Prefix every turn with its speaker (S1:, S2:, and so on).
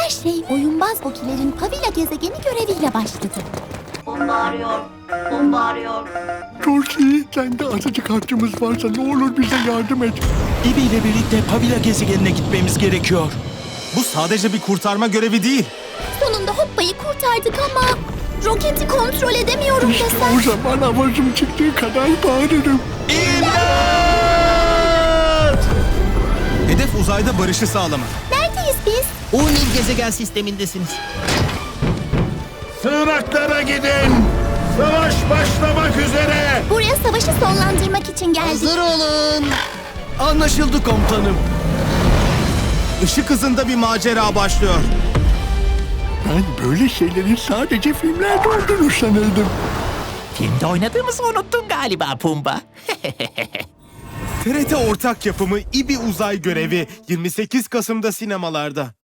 S1: Her şey oyunbaz Bokilerin Pavila gezegeni göreviyle başladı.
S2: Bomba arıyor. Bomba arıyor.
S3: Rocky, sende azıcık harcımız varsa ne olur bize yardım et.
S4: İbi ile birlikte Pavila gezegenine gitmemiz gerekiyor. Bu sadece bir kurtarma görevi değil.
S1: Sonunda Hoppa'yı kurtardık ama roketi kontrol edemiyorum
S3: İşte
S1: desem.
S3: o zaman avazım çıktığı kadar bağırırım.
S4: İmdat! Hedef uzayda barışı sağlamak.
S1: Neredeyiz biz?
S5: Unil gezegen sistemindesiniz.
S6: Sığınaklara gidin. Savaş başlamak üzere.
S1: Buraya savaşı sonlandırmak için geldik.
S5: Hazır olun.
S4: Anlaşıldı komutanım. Işık hızında bir macera başlıyor.
S3: Ben böyle şeylerin sadece filmlerde olduğunu sanırdım.
S5: Filmde oynadığımızı unuttun galiba Pumba.
S4: TRT ortak yapımı İbi Uzay Görevi 28 Kasım'da sinemalarda.